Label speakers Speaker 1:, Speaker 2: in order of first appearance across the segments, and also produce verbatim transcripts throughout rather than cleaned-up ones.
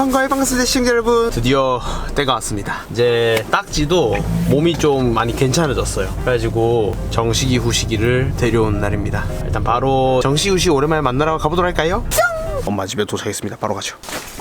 Speaker 1: 선거해방스 시청자 여러분, 드디어 때가 왔습니다. 이제 딱지도 몸이 좀 많이 괜찮아졌어요. 그래가지고 정식이 후식이를 데려온 날입니다. 일단 바로 정식이 후식 오랜만에 만나러 가보도록 할까요? 엄마 집에 도착했습니다. 바로 가죠.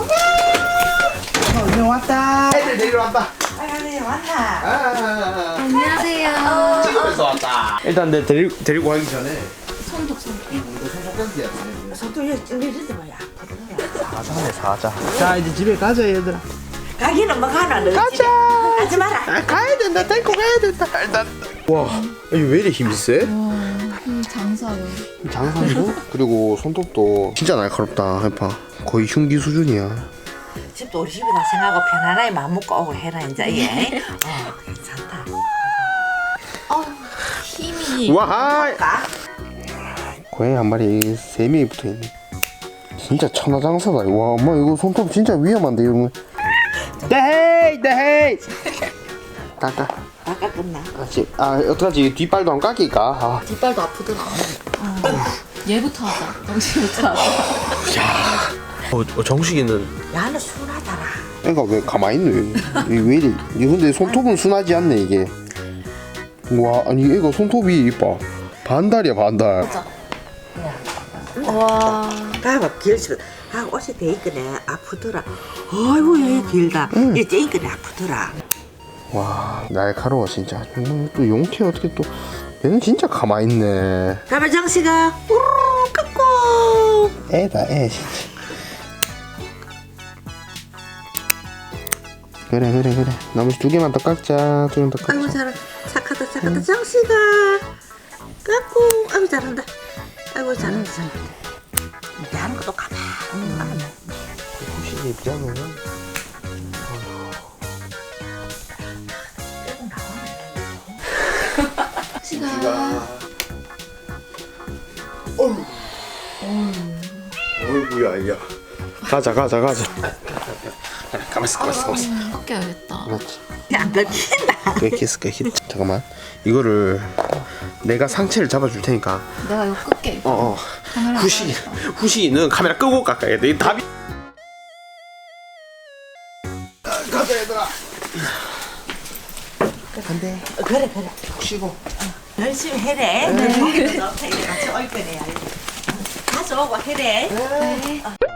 Speaker 1: 어, 왔다. 애들 데리러 왔다.
Speaker 2: 아유, 왔나?
Speaker 1: 아,
Speaker 3: 안녕하세요.
Speaker 1: 집에서 왔다. 일단 내 데리, 데리고 가기 전에
Speaker 3: 손톱 손톱.
Speaker 2: 손톱 이러지 마야.
Speaker 1: 사자네 사자. 자 이제 집에 가자 얘들아.
Speaker 2: 가기는 뭐 가나 너.
Speaker 1: 가자.
Speaker 2: 가지 마라.
Speaker 1: 아, 가야 된다. 데리고 가야 된다. 일단. 와, 이게 왜 이래 힘이 세?
Speaker 3: 음, 장사요.
Speaker 1: 장상도 그리고 손톱도 진짜 날카롭다. 해봐. 거의 흉기 수준이야.
Speaker 2: 집도 우리 집이다 생각하고 편안하게 마음 먹고 오고 해라 이제 예. 어 괜찮다.
Speaker 3: 어, 힘이.
Speaker 1: 와,
Speaker 2: 가.
Speaker 1: 고양이 한 마리 세 명이 붙어 있네. 진짜 천하장사다. 와, 엄마 이거 손톱 진짜 위험한데 이거. 데헤이, 데헤이. 깎아.
Speaker 2: 아까 끝나.
Speaker 1: 아, 지, 아 어떡하지? 뒷발도 안 깎일까? 아.
Speaker 3: 뒷발도 아프더라. 어. 얘부터 하자. 정신부터 하자.
Speaker 1: 어, 어, 정식이는
Speaker 2: 야는 순하더라.
Speaker 1: 애가 왜 가만히 있노? 이게 왜 이래? 이 근데 손톱은 순하지 않네 이게. 와, 아니 애가 손톱이 이뻐. 반달이야 반달.
Speaker 3: 와.
Speaker 2: 가봐 길집. 아 옷이 돼 있거네 아프더라. 아이고 얘 길다. 얘 째있거네 아프더라.
Speaker 1: 와, 날카로워 진짜. 정말 또 용태 어떻게 또 얘는 진짜 가만히 있네.
Speaker 2: 가봐 정씨가 우르르 깎고.
Speaker 1: 애다 애 진짜. 그래 그래 그래. 나머지 두 개만 더 깎자. 두 개만 더
Speaker 2: 아이고
Speaker 1: 깎자.
Speaker 2: 잘한다. 착하다 착하다 정씨가 깎고. 아이고 잘한다. 아이고 잘한다 잘한다. 이렇게 하는 것도 가만히 가만히.
Speaker 1: 후식이 입장은
Speaker 3: 시가.
Speaker 1: 어휴. 어이구야 야. 가자 가자 가자. 가만있어 가만있어 가만있어.
Speaker 3: 꺾여야겠다.
Speaker 1: 그렇지.
Speaker 2: 안 긁힌다.
Speaker 1: 끄키스 끄키. 잠깐만. 이거를 내가 상체를 잡아줄 테니까.
Speaker 3: 내가 이거 끌게.
Speaker 1: 어어.
Speaker 3: 카메라
Speaker 1: 후시
Speaker 3: 끄야겠다.
Speaker 1: 후시는 카메라 끄고 깎아야 돼. 이 답이. 가자 얘들아. 안돼.
Speaker 2: 그래 그래.
Speaker 1: 쉬고.
Speaker 2: 열심히 해래. 네. 같이 올 거네. 가져오고 해래.
Speaker 3: 네.